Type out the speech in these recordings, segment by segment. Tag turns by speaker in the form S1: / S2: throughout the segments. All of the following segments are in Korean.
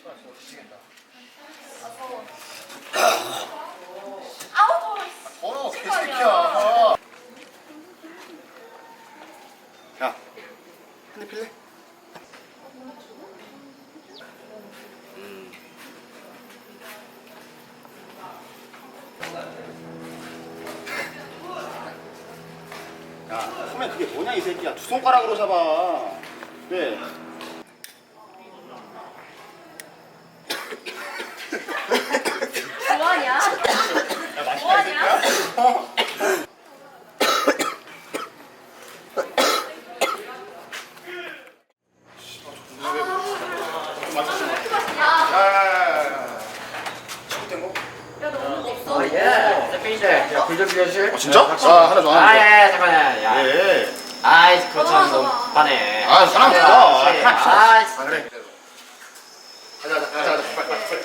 S1: 아우 더워.
S2: 더러워 개새끼야. 야, 한 대 필래? 야, 소매 그게 뭐냐 이 새끼야. 두 손가락으로 잡아. 왜?
S1: 뭐하냐?
S2: 야, 맛있다 이 새끼야. 어? 야야야야야. 잘못된 거?
S1: 야 너 오는 거 없어?
S3: 예. 스페인들. 야, 불좀 빌려줄?
S2: 진짜? 아, 하나 줘, 하나 줘.
S3: 예, 잠깐만. 야.
S2: 예.
S3: 아이, 그렇잖아. 너무 빠네.
S2: 아, 사람 좋아.
S3: 아,
S2: 아, 그래. 가자, 빨리, 빨리.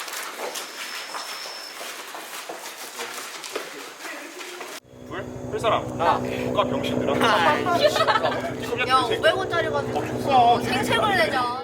S4: 불 사람. 누가 병신들아?
S1: 야 500원짜리 가지고
S2: 비싸.
S1: 생색을 내자.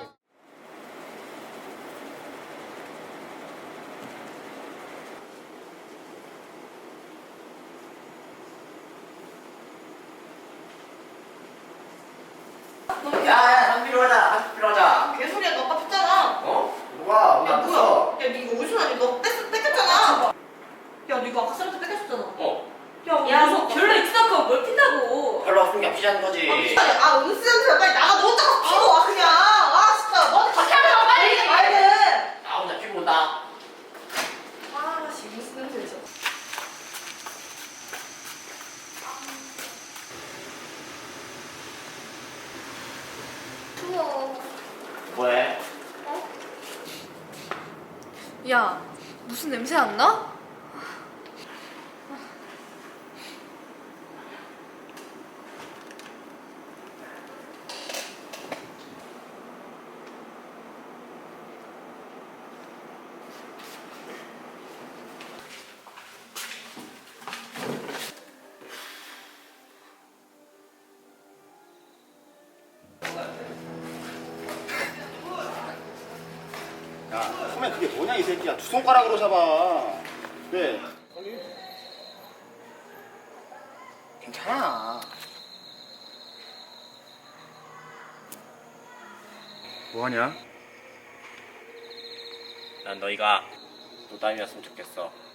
S3: 야, 한 필요하다. 한 필요하자.
S5: 개소리야 너 아까 폈잖아.
S3: 어? 누가?
S5: 야 뭐야? 야 니 이거 어디서 나니? 너 뺏겼잖아. 야 너 이거 아까 쌤한테 뺏겼었잖아.
S3: 어.
S5: 야 너 별로 익숙하고 뭘 핀다고.
S3: 별로 없으면 게 피자는 거지.
S5: 아 은수한테 빨리 나가. 너 혼자 가서 피고 와 그냥. 아 진짜 너한테 같이 하면 빨리 말든.
S3: 나 혼자 피고 온다.
S5: 아 지금 무슨 냄새 있어?
S1: 추워.
S3: 뭐해?
S1: 야 무슨 냄새 안 나?
S2: 야, 소매 그게 뭐냐 이 새끼야. 두 손가락으로 잡아. 왜? 괜찮아. 뭐하냐?
S3: 난 너희가 노담이었으면 좋겠어.